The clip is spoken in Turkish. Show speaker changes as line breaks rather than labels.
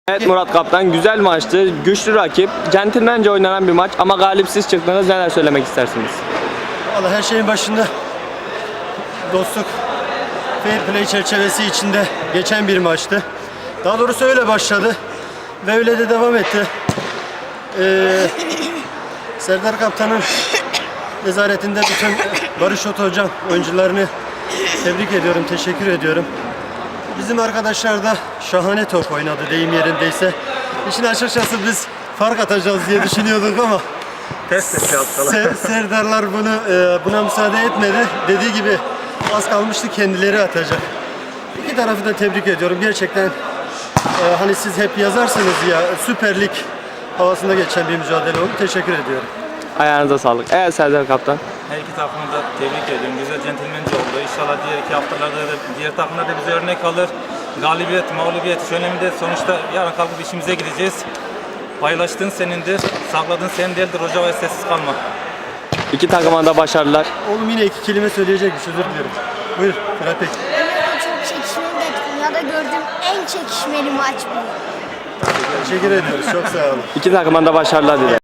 Evet Murat Kaptan, güzel maçtı. Güçlü rakip, centilmence oynanan bir maç ama galipsiz çıktınız. Neler söylemek istersiniz?
Vallahi her şeyin başında dostluk, fair play çerçevesi içinde geçen bir maçtı. Daha doğrusu öyle başladı ve öyle de devam etti. Serdar Kaptan'ın nezaretinde bütün Barış Ot Hocam oyuncularını tebrik ediyorum, teşekkür ediyorum. Bizim arkadaşlar da şahane top oynadı deyim yerindeyse. İşin açıkçası biz fark atacağız diye düşünüyorduk ama Serdarlar buna müsaade etmedi. Dediği gibi az kalmıştı, kendileri atacak. İki tarafı da tebrik ediyorum. Gerçekten hani siz hep yazarsınız ya, Süper Lig havasında geçen bir mücadele oldu. Teşekkür ediyorum.
Ayağınıza sağlık. Evet Serdar Kaptan.
Her iki takımı da tebrik ediyorum. Güzel centilmence oldu. İnşallah diğer iki haftalarda da diğer takımlar da bize örnek alır. Galibiyet, mağlubiyet hiç önemli değil. Sonuçta yarın kalkıp işimize gideceğiz. Paylaştığın senindir, sakladığın senin değildir. Hoca ve sessiz kalma.
İki takıma da başarılar.
Oğlum yine iki kelime söyleyecekmiş, özür dilerim. Buyur Fırat Bey.
Çok çekişmeli de dünyada gördüğüm en çekişmeli maç bu.
Teşekkür ediyoruz, çok sağ olun.
İki takıma da başarılar dilerim.